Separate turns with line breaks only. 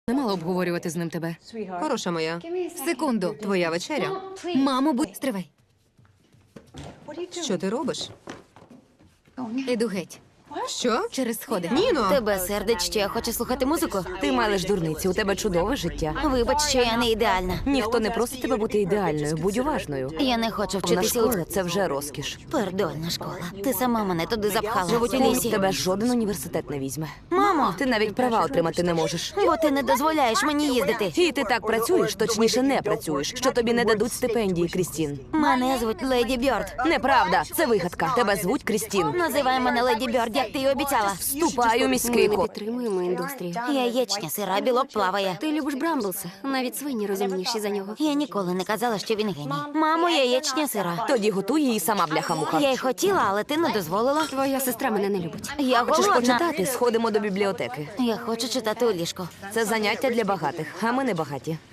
Не мала обговорювати з ним тебе.
Хороша моя.
Секунду.
Твоя вечеря.
Мамо, будь стривай.
Що ти робиш?
Іду геть.
Що?
Через сходи.
Ніно!
Тебе сердить, що я хочу слухати музику?
Ти малиш дурниці, у тебе чудове життя.
Вибач, що я не ідеальна.
Ніхто не просить тебе бути ідеальною, будь уважною.
Я не хочу
Вона
вчитися
школа – це вже розкіш.
Пердольна школа. Ти сама мене туди запхала.
Живуть у
Лісі.
лісі. Тебе жоден університет не візьме.
Мамо!
Ти навіть права отримати не можеш.
Бо ти не дозволяєш мені їздити.
І ти так працюєш, точніше не працюєш, що тобі не дадуть стипендії, Крістін.
Мене звуть Леді Бьорд.
Неправда, це вигадка. Тебе звуть Крістін.
Називай мене Леді Бьорд, як ти й обіцяла.
Вступай у міський
Ми не
код.
підтримуємо індустрію.
Яєчня, сира, білок плаває.
Ти любиш Брамблса, навіть свині розумніші за нього.
Я ніколи не казала, що він геній. Мамо, яєчня, сира.
Тоді готуй її сама, бляха-муха.
Я й хотіла, але ти не дозволила.
Твоя сестра мене не любить.
Я
Хочеш
голодна.
почитати? Сходимо до бібліотеки.
Я хочу читати у ліжку.
Це заняття для багатих, а ми не багаті.